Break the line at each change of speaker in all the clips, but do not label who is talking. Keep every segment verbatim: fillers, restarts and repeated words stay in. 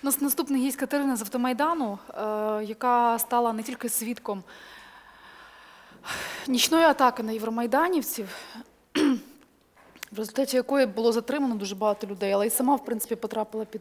нас наступний гість Катерина з Автомайдану, яка стала не тільки свідком нічної атаки на євромайданівців, в результаті якої було затримано дуже багато людей, але й сама, в принципі, потрапила під...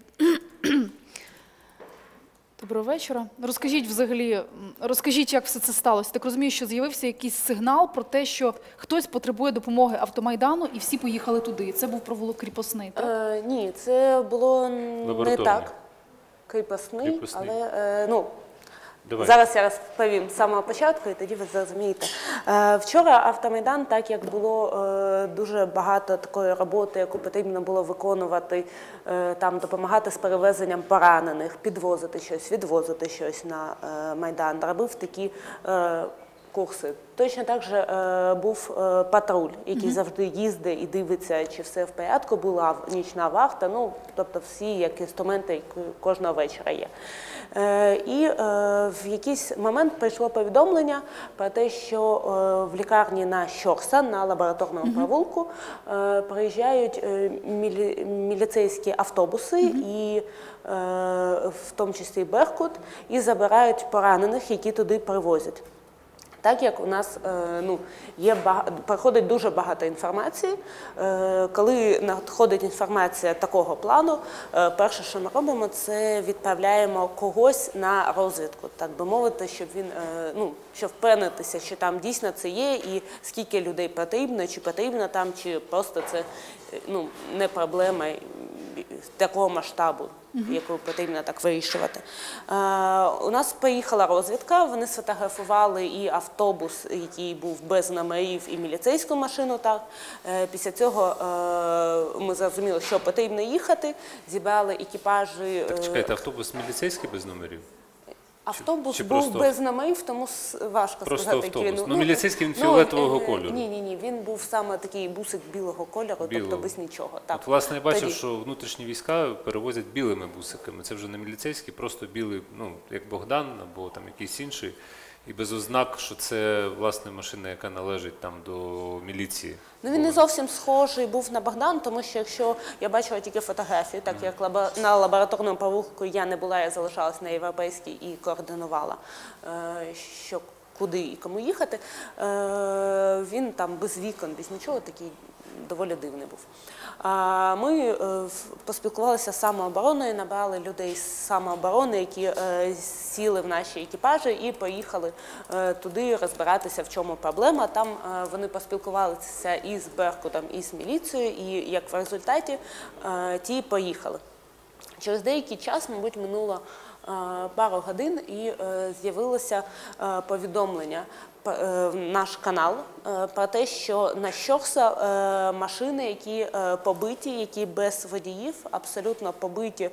Доброго вечора. Розкажіть взагалі, розкажіть, як все це сталося. Так розумію, що з'явився якийсь сигнал про те, що хтось потребує допомоги Автомайдану, і всі поїхали туди. Це був провулок Кріпосний, так?
Е, ні, це було не так. Кріпосний, Кріпосний. але, е, ну, Давай. Зараз я розповім з самого початку, і тоді ви зрозумієте. Е, вчора Автомайдан, так як було е, дуже багато такої роботи, яку потрібно було виконувати, е, там допомагати з перевезенням поранених, підвозити щось, відвозити щось на е, Майдан, робив такі е, курси. Точно так же е, був е, патруль, який mm-hmm. завжди їздить і дивиться, чи все в порядку, була нічна вахта, ну, тобто всі як інструменти, які кожного вечора є. Е, і е, в якийсь момент прийшло повідомлення про те, що е, в лікарні на Щорса, на лабораторному mm-hmm. провулку, е, приїжджають е, мілі, міліцейські автобуси, mm-hmm. і е, в тому числі Беркут, і забирають поранених, які туди привозять. Так як у нас ну, є, проходить дуже багато інформації, коли надходить інформація такого плану, перше, що ми робимо, це відправляємо когось на розвідку, так би мовити, щоб він, ну, щоб впевнитися, що там дійсно це є, і скільки людей потрібно, чи потрібно там, чи просто це, ну, не проблема такого масштабу, uh-huh. яку потрібно так вирішувати. Е, у нас поїхала розвідка, вони сфотографували і автобус, який був без номерів, і міліцейську машину. Так. Е, після цього е, ми зрозуміли, що потрібно їхати, зібрали екіпажі.
Так, чекайте, автобус міліцейський без номерів?
Автобус
чи
був
просто...
без номерів, тому важко
просто
сказати,
автобус.
який він.
Ну, міліцейський він фіолетового
ну,
кольору.
Ні, ні, ні, він був саме такий бусик білого кольору,
білого.
тобто без нічого. Так.
От, власне, я бачив,
Тоді.
що внутрішні війська перевозять білими бусиками. Це вже не міліцейський, просто білий, ну, як Богдан або там якийсь інший. І без ознак, що це, власне, машина, яка належить там до міліції.
Ну, він не зовсім схожий був на Богдан, тому що якщо я бачила тільки фотографії, так як лаба, на лабораторному провулку я не була, я залишалась на європейській і координувала, е, що куди і кому їхати, е, він там без вікон, без нічого, такий доволі дивний був. А ми е, поспілкувалися з самообороною, набрали людей з самооборони, які е, сіли в наші екіпажі і поїхали е, туди розбиратися, в чому проблема. Там е, вони поспілкувалися і з Беркутом, і з міліцією, і як в результаті е, ті поїхали. Через деякий час, мабуть, минуло е, пару годин і е, з'явилося е, повідомлення в наш канал про те, що на Щорса машини, які побиті, які без водіїв, абсолютно побиті,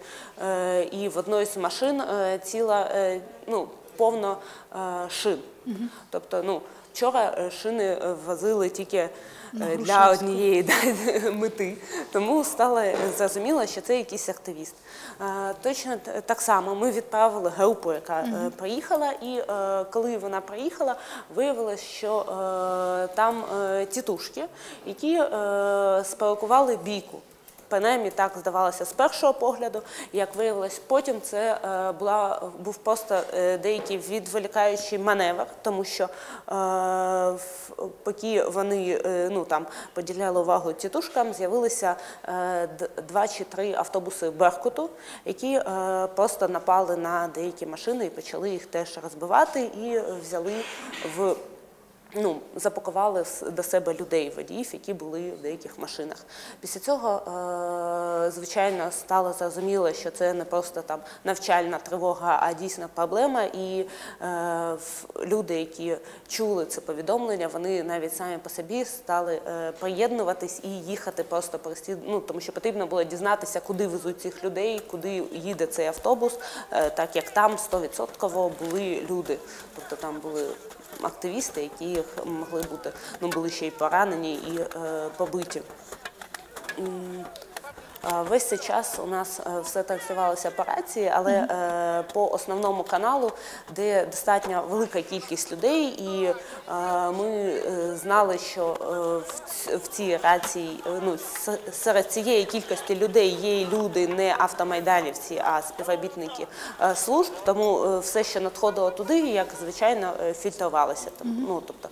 і в одній з машин ціла, ну, повно шин. Угу. Тобто, ну, вчора шини возили тільки для однієї да, мети, тому стало зрозуміло, що це якийсь активіст. Точно так само ми відправили групу, яка uh-huh. приїхала, і коли вона приїхала, виявилось, що там тітушки, які спровокували бійку. Принаймні, так здавалося з першого погляду. Як виявилось, потім це е, була, був просто е, деякий відволікаючий маневр, тому що е, поки вони е, ну, там, поділяли увагу тітушкам, з'явилися е, два чи три автобуси Беркуту, які е, просто напали на деякі машини і почали їх теж розбивати і взяли в... Ну, запакували до себе людей, водіїв, які були в деяких машинах. Після цього, звичайно, стало зрозуміло, що це не просто там навчальна тривога, а дійсно проблема. І люди, які чули це повідомлення, вони навіть самі по собі стали приєднуватись і їхати просто прості, ну, тому що потрібно було дізнатися, куди везуть цих людей, куди їде цей автобус, так як там сто відсотків були люди. Тобто там були активісти, які могли бути, ну, були ще й поранені, і е, побиті. Весь цей час у нас все транслювалося по рації, але по основному каналу, де достатньо велика кількість людей, і ми знали, що в цій рації, ну, серед цієї кількості людей є люди не автомайданівці, а співробітники служб, тому все, що надходило туди, як звичайно, фільтрувалося. Ну, тобто,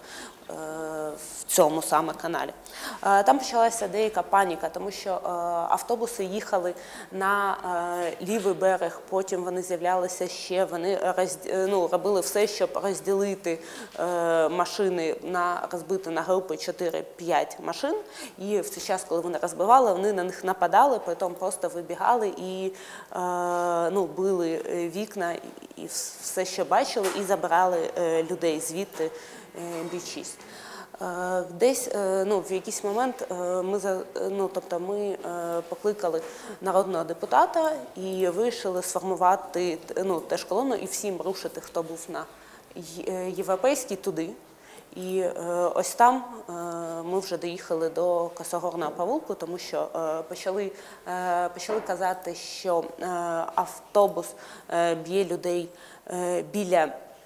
в цьому саме каналі. Там почалася деяка паніка, тому що автобуси їхали на лівий берег, потім вони з'являлися ще, вони роз, ну, робили все, щоб розділити машини, на, розбити на групи чотири-п'ять машин, і в цей час, коли вони розбивали, вони на них нападали, потім просто вибігали і ну, били вікна, і все, що бачили, і забирали людей звідти бі шість. Десь ну, в якийсь момент ми, ну, тобто ми покликали народного депутата і вирішили сформувати ну, теж колону і всім рушити, хто був на Європейській, туди. І ось там ми вже доїхали до Косогорного провулку, тому що почали, почали казати, що автобус б'є людей біля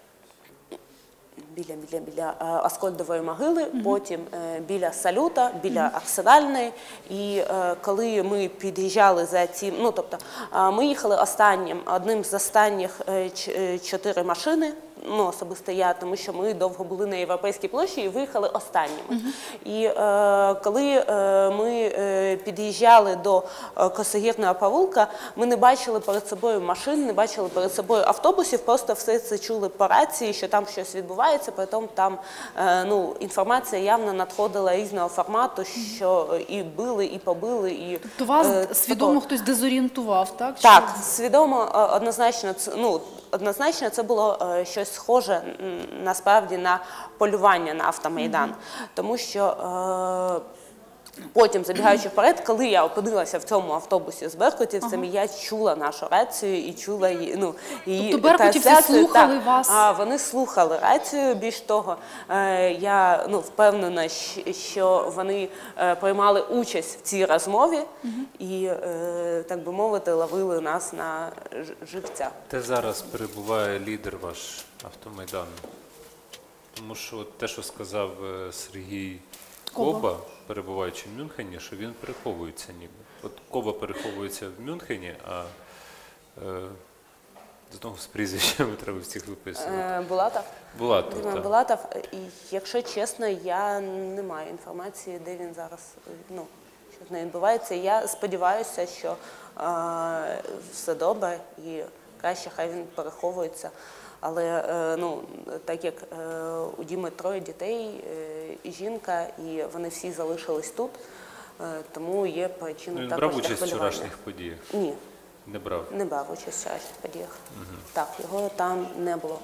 Біля, біля, біля Аскольдової могили, mm-hmm. потім е, біля Салюта, біля mm-hmm. Арсенальної. І е, коли ми під'їжджали за ці, ну тобто е, ми їхали останнім, одним з останніх е, ч, чотири машини, ну особисто я, тому що ми довго були на Європейській площі і виїхали останніми. Mm-hmm. І е, коли е, ми е, під'їжджали до е, Косогірного провулка, ми не бачили перед собою машин, не бачили перед собою автобусів, просто все це чули по рації, що там щось відбувається. Потім там ну, інформація явно надходила різного формату, що і били, і побили. І,
тобто вас
е,
свідомо
такого.
Хтось дезорієнтував, так?
Так, що... свідомо, однозначно, ну, однозначно це було щось схоже насправді на полювання на автомайдан. Mm-hmm. Тому що е, потім, забігаючи вперед, коли я опинилася в цьому автобусі з беркутівцями, ага. я чула нашу рацію і чула її, ну, її
тобто беркутівці слухали
та,
вас?
А, вони слухали рацію, більш того, е, я ну, впевнена, що вони е, приймали участь в цій розмові угу. і, е, так би мовити, ловили нас на живця.
Де зараз перебуває лідер ваш автомайдану? Тому що те, що сказав Сергій Коба, Коба, перебуваючи в Мюнхені, що він переховується ніби. От Коба переховується в Мюнхені, а е, знову з прізвищами треба всіх виписувати.
Е, Булатов?
Булатов, так.
Булатов. І, якщо чесно, я не маю інформації, де він зараз, ну, що з нею відбувається. Я сподіваюся, що е, все добре і краще хай він переховується. Але ну, так як у Діми троє дітей і жінка, і вони всі залишились тут, тому є причина
ну,
також
брав участь
в
вчорашніх подіях?
Ні.
Не брав?
Не брав участь в вчорашніх подіях. Угу. Так, його там не було.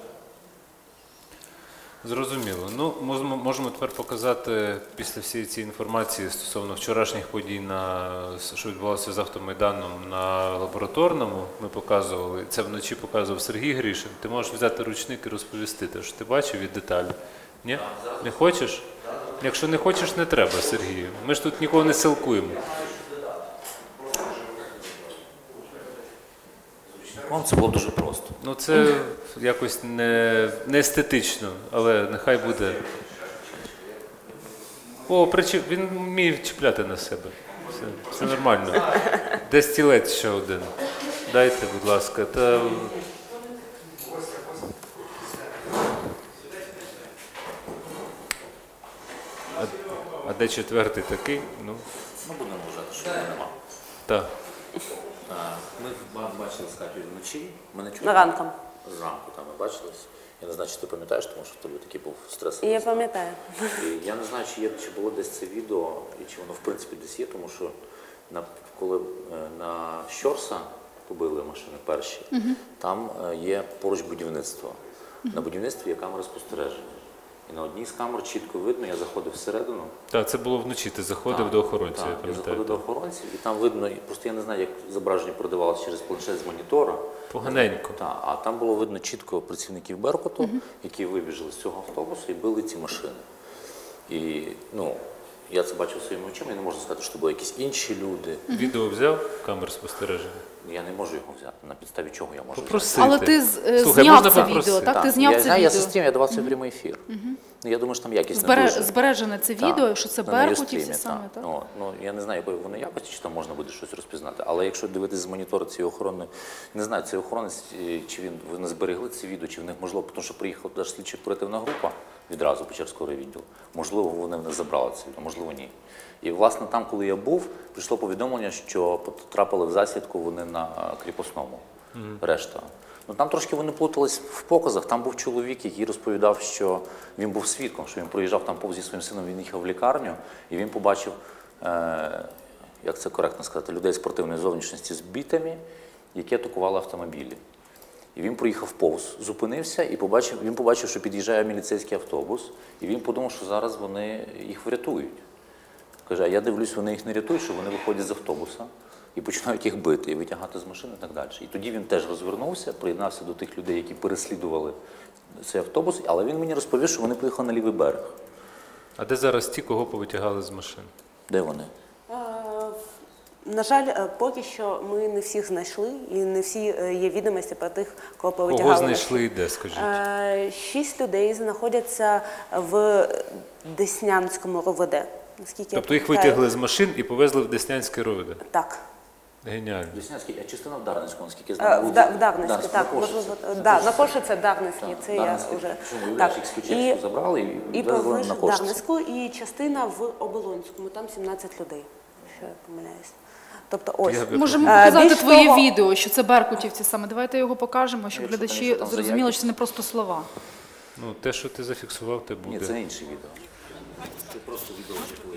Зрозуміло. Ну, можемо тепер показати після всієї цієї інформації стосовно вчорашніх подій, на, що відбувалося з автомайданом на Лабораторному. Ми показували, це вночі показував Сергій Гришин. Ти можеш взяти ручник і розповісти те, що ти бачив від деталі. Ні? Не хочеш? Якщо не хочеш, не треба, Сергію. Ми ж тут нікого не силкуємо.
Це було дуже просто.
Ну це якось не, не естетично, але нехай буде. О, причіп... він вміє чіпляти на себе. Все, все нормально. Де стілець ще один? Дайте, будь ласка. Та... А, а де четвертий такий? Ну,
ну будемо вважати, що його нема.
Так.
Ми бачили з Катєю вночі. Ми не чули.
На ранком.
Зранку там ми бачились. Я не знаю, чи ти пам'ятаєш, тому що в тебе такий був стресовий.
Я пам'ятаю.
І я не знаю, чи, є, чи було десь це відео, і чи воно в принципі десь є, тому що на, коли на Щорса побили машини перші, угу. там є поруч будівництво. Угу. На будівництві є камери спостереження. І на одній з камер чітко видно, я заходив всередину.
Так, це було вночі, ти заходив так, до охоронців.
Так,
я,
я заходив до охоронців, і там видно, просто я не знаю, як зображення продавалося через планшет з монітора.
Поганенько.
Так, а там було видно чітко працівників Беркуту, угу. які вибіжали з цього автобусу і били ці машини. І, ну, я це бачив своїми очима, я не можу сказати, що були якісь інші люди.
Відео взяв камер спостереження?
Я не можу його взяти. На підставі чого я можу
Попросити.
Але ти з- е,
Слухай,
зняв
можна
це
попросити?
відео, так? Ти зняв
я,
це
знаю, я
відео.
систем, я давав це в прямий ефір. Ну, я думаю, що там якість не
Збере-
дуже.
Збережене це
Так,
відео, що це
на
беркутівці
Юстрімі,
саме, так?
Ну, ну, я не знаю, якої воно якості, чи там можна буде щось розпізнати. Але якщо дивитися з монітора цієї охорони, не знаю, цей охоронець, е, чи він вони зберегли це відео, чи в них можливо, тому що приїхала туди ж слідчо оперативна група відразу Печерського райвідділу. Можливо, вони в них забрали це відео, можливо, ні. І, власне, там, коли я був, прийшло повідомлення, що потрапили в засідку вони на кріпосному. Решта. Ну, там трошки вони плутались в показах. Там був чоловік, який розповідав, що він був свідком, що він проїжджав там повз зі своїм сином, він їхав в лікарню, і він побачив, е, як це коректно сказати, людей спортивної зовнішності з бітами, які атакували автомобілі. І він проїхав повз, зупинився і побачив, він побачив, що під'їжджає міліцейський автобус, і він подумав, що зараз вони їх врятують. Каже, а я дивлюсь, вони їх не рятують, що вони виходять з автобуса і починають їх бити, і витягати з машини і так далі. І тоді він теж розвернувся, приєднався до тих людей, які переслідували цей автобус, але він мені розповів, що вони поїхали на лівий берег.
А де зараз ті, кого повитягали з машин?
Де вони?
Е, На жаль, е, поки що ми не всіх знайшли, і не всі е, є відомості про тих, кого повитягали.
Кого знайшли і де, скажіть?
Е, Шість людей знаходяться в Деснянському РОВД. Наскільки я
Тобто їх
пам'ятаю.
витягли з машин і повезли в Деснянське РОВД?
Так.
Геніально.
Деснянський, а частина в Дарницькому, наскільки я
Е,
знаю.
В,
був-
Да- в Дарницьку,
Дарницький,
так.
на
Можливо,
Кошиці.
да, на Кошице Дарницький,
Так,
це
Дарницький.
я вже.
Причому,
Так.
уявляєш, їх з Печерську забрали і
і
везли
повезли
на
в
Кошиці.
Дарницьку, і частина в Оболонському, там сімнадцять людей, якщо я помиляюсь. Тобто ось.
Я би-
Можемо
Е,
показати
більш
твоє
того-
відео, що це беркутівці саме. Давайте його покажемо, щоб
Якщо,
глядачі
конечно, там за
зрозуміли,
якість.
що це не просто слова.
Ну, те, що ти зафіксував, те
Ні,
буде.
це інше відео. Це просто відео жахливе.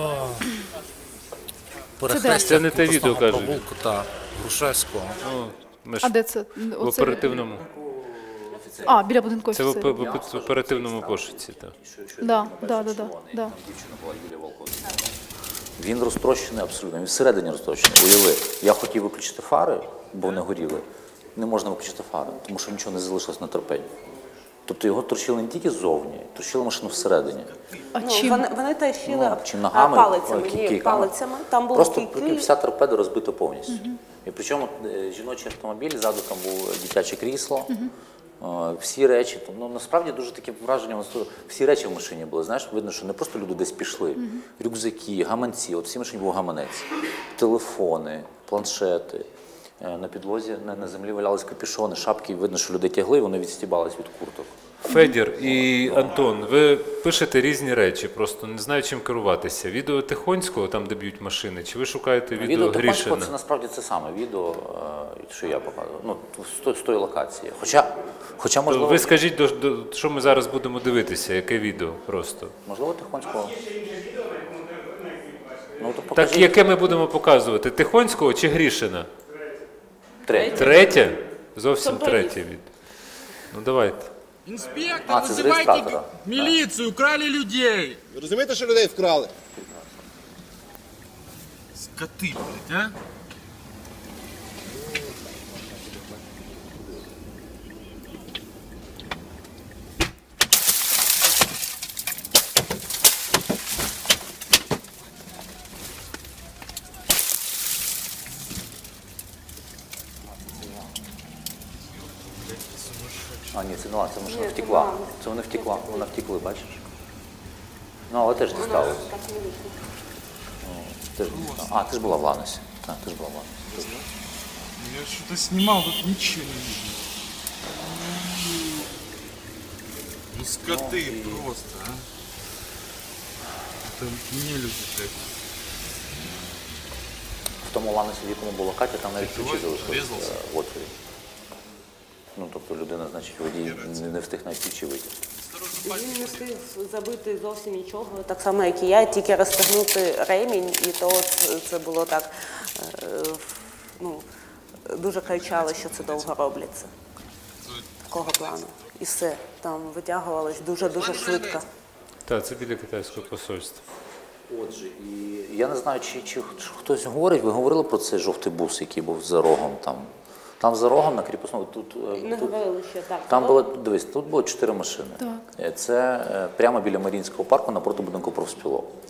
Це не те відео, кажуть.
Провулку та Грушевського.
Ну, ми
А
ж
де це?
в
Оце-
оперативному.
А, біля будинку
Це в,
офіцерів.
оп- в оперативному пошуці. Так.
Да, да, да, да, да.
Там дівчина була Юлія Волковська. Він розтрощений абсолютно, він всередині розтрощений. Уяви, я хотів виключити фари, бо вони горіли. Не можна виключити фари, тому що нічого не залишилось на торпеді. Тобто його трощили не тільки ззовні, трощили машину всередині.
А
Ну,
чим?
вони, вони трощили
Ну, чи ногами,
палицями,
ой,
ні,
кійками.
палицями. Там були
Просто
кійки.
прикинь, вся торпеда розбита повністю. І причому е, жіночий автомобіль, ззаду там було дитяче крісло, е, всі речі. Там, ну, насправді дуже таке враження, воно стало- всі речі в машині були. Знаєш, видно, що не просто люди десь пішли. Рюкзаки, гаманці, от всі машині був гаманець, телефони, планшети. Е, На підлозі, на, на землі валялись капюшони, шапки, видно, що люди тягли, і вони відстібались від курток.
Федір і Антон, ви пишете різні речі, просто не знаю, чим керуватися. Відео Тихонського, там, де б'ють машини, чи ви шукаєте відео,
Відео Тихонського
Грішина?
це насправді це саме відео, е, що я показував, ну, з, той- з тої локації. Хоча, хоча
То
можливо,
ви скажіть, до, до, що ми зараз будемо дивитися, яке відео просто.
можливо, Тихонського. Ну, то
Так,
покажіть.
яке ми будемо показувати? Тихонського чи Грішина?
Третє.
Третє? Зовсім третє відео. Ну давайте.
Інспектор,
А, це з
визивайте
реєстратора.
міліцію, крали людей.
Ви розумієте, що людей вкрали?
Скоти, блядь, а?
А, ні, це не ладно, це машина втекла. Це вони втекла, вона втекли, бачиш? Ну, але теж дісталося. Теж дісталося. А, ти ж була в Ланосі. Так, ти ж була в Ланосі.
Я что-то снимал, тут ничего не видно. Ну скоты просто, а. Это не люди, блядь.
В тому Ланосі, в якому була Катя, там навіть ключі
Давай,
залишилися
врізався.
в отворі. Ну, тобто людина, значить, водій не, не встиг навіть ключі витягти.
Він не встиг забити зовсім нічого, так само, як і я, тільки розтягнути ремінь, і то це, це було так, е, ну, дуже кричали, що це довго робляться. Такого плану. І все. Там витягувалось дуже-дуже швидко.
Так, це біля китайського посольства.
Отже, і я не знаю, чи, чи хтось говорить, ви говорили про цей жовтий бус, який був за рогом там. Там за рогом на кріпосному, тут, е,
Не
тут
говорили ще так.
там було, дивись, тут було чотири машини.
Так.
Е, Це е, прямо біля Маріїнського парку напроти будинку профспілок.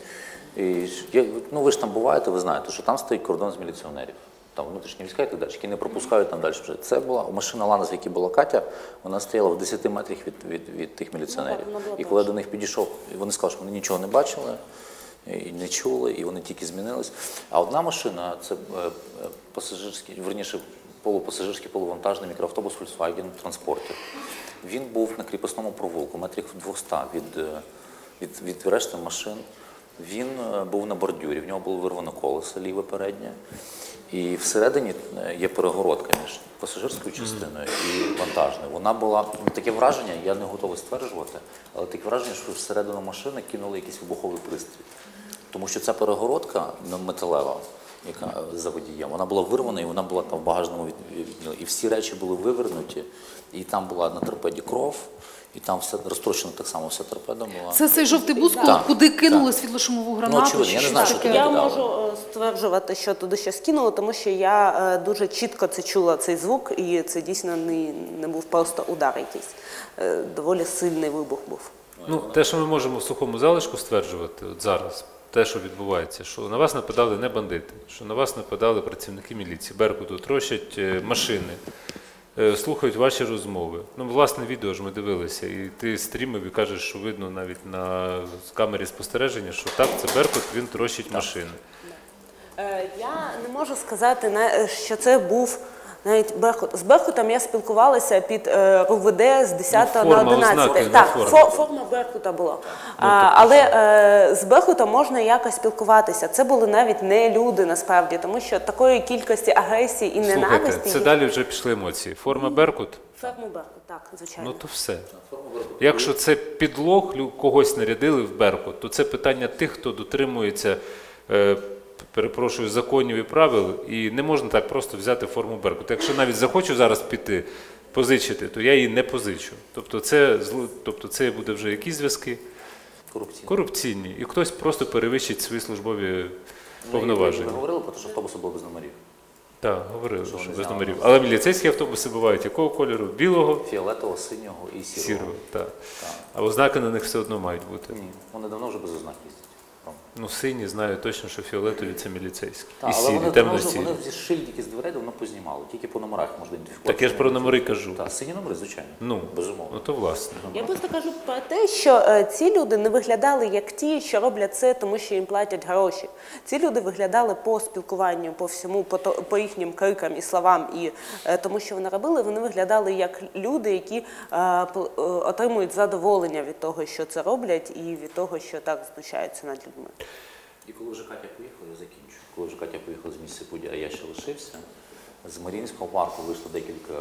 І, ж- я- ну, ви ж там буваєте, ви знаєте, що там стоїть кордон з міліціонерів. Там внутрішні війська і так далі, які не пропускають там далі. Вже. Це була машина Ланос, в якій була Катя, вона стояла в десяти метрах від, від, від тих міліціонерів.
Ну, так, вона була
І коли я до них підійшов, вони сказали, що вони нічого не бачили, і не чули, і вони тільки змінились. А одна машина, це е, е, пасажирський, верніше, полупасажирський, полувантажний мікроавтобус Volkswagen Transporter. Він був на кріпосному провулку, метрів двісті від, е, від, від решти машин. Він е, був на бордюрі, в нього було вирвано колесо ліве переднє. І всередині е, є перегородка між пасажирською частиною і вантажною. Вона була, ну, таке враження, я не готовий стверджувати, але таке враження, що всередину машини кинули якийсь вибуховий пристрій. Тому що ця перегородка металева, яка за водієм, вона була вирвана і вона була там в багажному відділі. І всі речі були вивернуті, і там була на торпеді кров, і там все розтрощено так само, вся торпеда була.
Це цей жовтий бус,
Так,
куди кинули
так.
світлошумову
Ну,
гранату?
очевидно,
чи
я не
щось
знаю, що
таке?
туди
Я
кидали.
можу е, стверджувати, що туди щось кинуло, тому що я е, дуже чітко це чула, цей звук, і це дійсно не, не був просто удар якийсь. Е, Доволі сильний вибух був.
Ну, те, що ми можемо в сухому залишку стверджувати от зараз, те, що відбувається, що на вас нападали не бандити, що на вас нападали працівники міліції, Беркуту, трощать е, машини, е, слухають ваші розмови. Ну, власне, відео ж ми дивилися, і ти стрімив і кажеш, що видно навіть на камері спостереження, що так, це Беркут, він трощить машини.
Е, Я не можу сказати, на- що це був навіть Беркут. З Беркутом я спілкувалася під е, РУВД з десятого
Ну,
на
форма, ознаки
одинадцяте.
на
Так,
формі.
фо- форма Беркута була. А, але е, з Беркутом можна якось спілкуватися. Це були навіть не люди насправді, тому що такої кількості агресії і ненависті.
Слухайте, це далі вже пішли емоції. Форма Беркут?
Форму Беркут, так, звичайно.
Ну то все. Якщо це підлог, лю- когось нарядили в Беркут, то це питання тих, хто дотримується, е, перепрошую, законів і правил, і не можна так просто взяти форму Беркут. Якщо навіть захочу зараз піти, позичити, то я її не позичу. Тобто це, зло- тобто це буде вже якісь зв'язки
Корупційна.
корупційні, і хтось просто перевищить свої службові
Ви
повноваження.
говорили про те, що автобуси були без номерів.
Так, говорили, що
вони
без
зняли?
номерів. Але міліцейські автобуси бувають якого кольору? Білого,
Фіолетового, синього і сірого.
сірого. Так. А ознаки на них все одно мають бути.
Ні, вони давно вже без ознак їздять.
Ну, сині знаю точно, що фіолетові це міліцейські.
Так,
І
але
сірі,
вони, давно вже,
темно-сірі.
вони зі шильдики з дверей давно познімали, тільки по номерах можна ідентифікувати.
Так я ж про номери кажу.
Так, сині номери, звичайно.
Ну,
Безумовно.
ну то власне.
Я просто кажу про те, що е, ці люди не виглядали як ті, що роблять це, тому що їм платять гроші. Ці люди виглядали по спілкуванню, по всьому, по, то- по їхнім крикам і словам, і е, тому, що вони робили, вони виглядали як люди, які е, пл- е, отримують задоволення від того, що це роблять, і від того, що так знущаються над людьми.
І коли вже Катя поїхала, я закінчу. Коли вже Катя поїхала з місця події, а я ще лишився, з Маріїнського парку вийшло декілька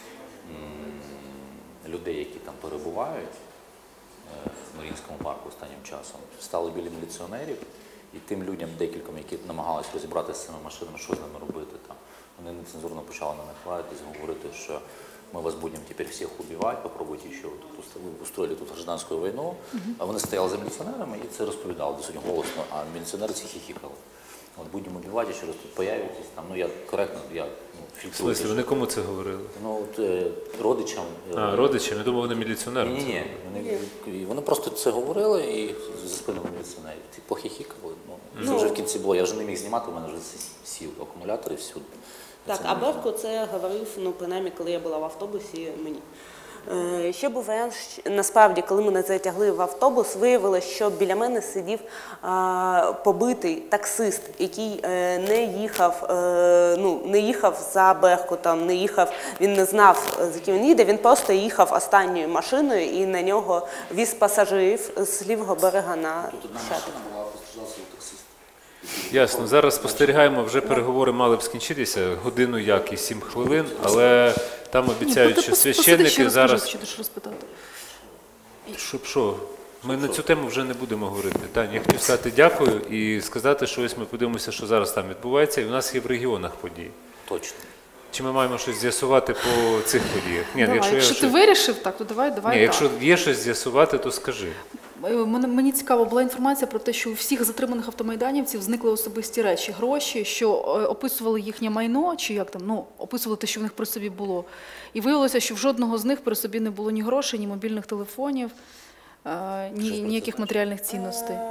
м, людей, які там перебувають е, в Маріїнському парку останнім часом. Стали біля міліціонерів, і тим людям, декільком, які намагалися розібратися з цими машинами, що з ними робити там. Вони нецензурно почали на них лаятись, говорити, що ми вас будемо тепер всіх убивати, попробуйте ще тут устро- устроїли тут гражданську війну. А вони стояли за міліціонерами і це розповідали досить голосно, а міліціонери ці хіхікали. От будемо убивати, ще раз тут появитесь. Там, ну я коректно, я ну,
В
фільтрую.
смислі, вони кому це говорили?
Ну, от, е, родичам. е,
А, родичам, я думав, вони міліціонерам.
Ні, ні, ні. Вони, і вони просто це говорили і за спинами міліціонерів. Ті похихікали. Ну, це вже в кінці було. Я вже не міг знімати, у мене вже сів акумулятори всюди.
Так,
Це
а
не можна.
Берко це говорив, ну, принаймні, коли я була в автобусі, мені. Е, Ще був варіант, що- насправді, коли мене затягли в автобус, виявилося, що біля мене сидів а, побитий таксист, який е, не їхав, е, ну, не їхав за Беркутом, не їхав, він не знав, е, з яким він їде, він просто їхав останньою машиною і на нього віз пасажирів з лівого берега на
Тут одна
Шепіт.
машина була, постраждав свій таксист.
Ясно. Зараз спостерігаємо, вже переговори мали б скінчитися, годину як і сім хвилин, але там обіцяють,
Ні,
що
пос- посиди, ще
священники
розкажи,
зараз...
що ти ж розпитати.
Щоб що? Ми на цю тему вже не будемо говорити. Таня, я хотів сказати дякую і сказати, що ось ми подивимося, що зараз там відбувається, і в нас є в регіонах події.
Точно.
Чи ми маємо щось з'ясувати по цих подіях? Ні,
Давай,
якщо,
якщо
я
ти
щось-
вирішив, так, то давай, давай
Ні,
так.
якщо є щось з'ясувати, то скажи.
Е, Мене, мені цікаво, була інформація про те, що у всіх затриманих автомайданівців зникли особисті речі, гроші, що е, описували їхнє майно, чи як там, ну, описували те, що в них при собі було. І виявилося, що в жодного з них при собі не було ні грошей, ні мобільних телефонів, е, ні, ніяких матеріальних цінностей.
Е,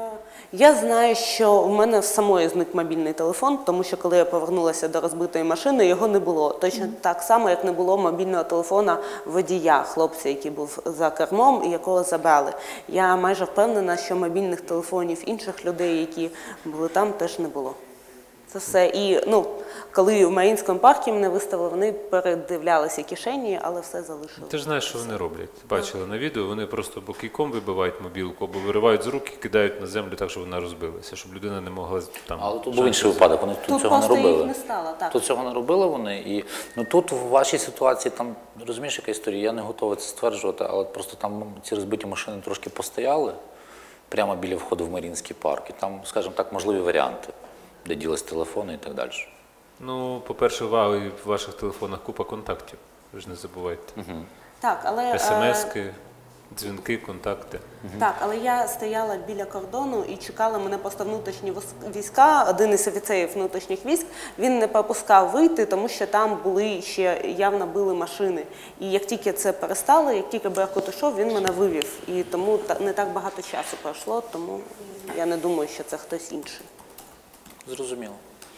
Я знаю, що в мене в самої зник мобільний телефон, тому що коли я повернулася до розбитої машини, його не було. Точно mm. так само, як не було мобільного телефона водія, хлопця, який був за кермом і якого забрали. Я майже впевнена, що мобільних телефонів інших людей, які були там, теж не було. Це все. І ну, коли в Маріїнському парку мене виставили, вони передивлялися кишені, але все залишили.
Ти ж знаєш, що вони роблять. Бачили на відео, вони просто або кійком вибивають мобілку, або виривають з рук і кидають на землю так, щоб вона розбилася, щоб людина не могла там...
Але тут був інший випадок, вони тут,
Тут
цього не
просто
робили.
їх не стало, так.
Тут цього не робили вони. І, ну, тут в вашій ситуації, там, розумієш, яка історія, я не готовий це стверджувати, але просто там ці розбиті машини трошки постояли прямо біля входу в Маріїнський парк. І там, скажімо так, можливі варіанти, де ділись телефони і так далі.
Ну, по-перше, в ваших телефонах купа контактів, ви ж не забувайте.
Угу.
Так, але...
Смски, дзвінки, контакти.
Так, але я стояла біля кордону і чекали мене просто внутрішні війська. Один із офіцерів внутрішніх військ, він не пропускав вийти, тому що там були ще явно били машини. І як тільки це перестало, як тільки Беркут ішов, він мене вивів. І тому не так багато часу пройшло, тому я не думаю, що це хтось інший.
Зрозуміло.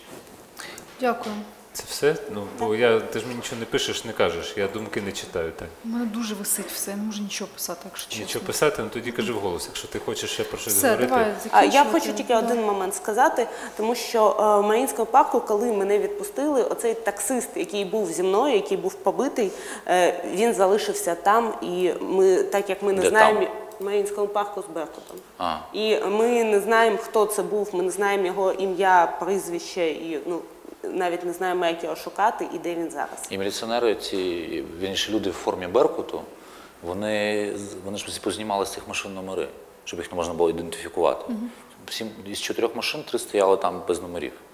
Дякую.
Це все? Ну, бо я, ти ж мені нічого не пишеш, не кажеш, я думки не читаю. Так.
У мене дуже висить все, я не можу нічого писати, якщо чесно.
Нічого писати, ну тоді кажи вголос, якщо ти хочеш ще про щось
Все,
говорити.
давай,
А
закінчувати.
я хочу тільки один момент сказати, тому що в Маріїнському парку, коли мене відпустили, оцей таксист, який був зі мною, який був побитий, е, він залишився там, і ми, так як ми не
Де
знаємо...
там?
В Маріїнському парку з Беркутом.
А.
І ми не знаємо, хто це був, ми не знаємо його ім'я, прізвище, і ну, навіть не знаємо, як його шукати і де він зараз.
І міліціонери, ці, вірніше, люди в формі Беркуту, вони, вони ж познімали з цих машин номери, щоб їх не можна було ідентифікувати. Угу. Сім, із чотирьох машин три стояли там без номерів.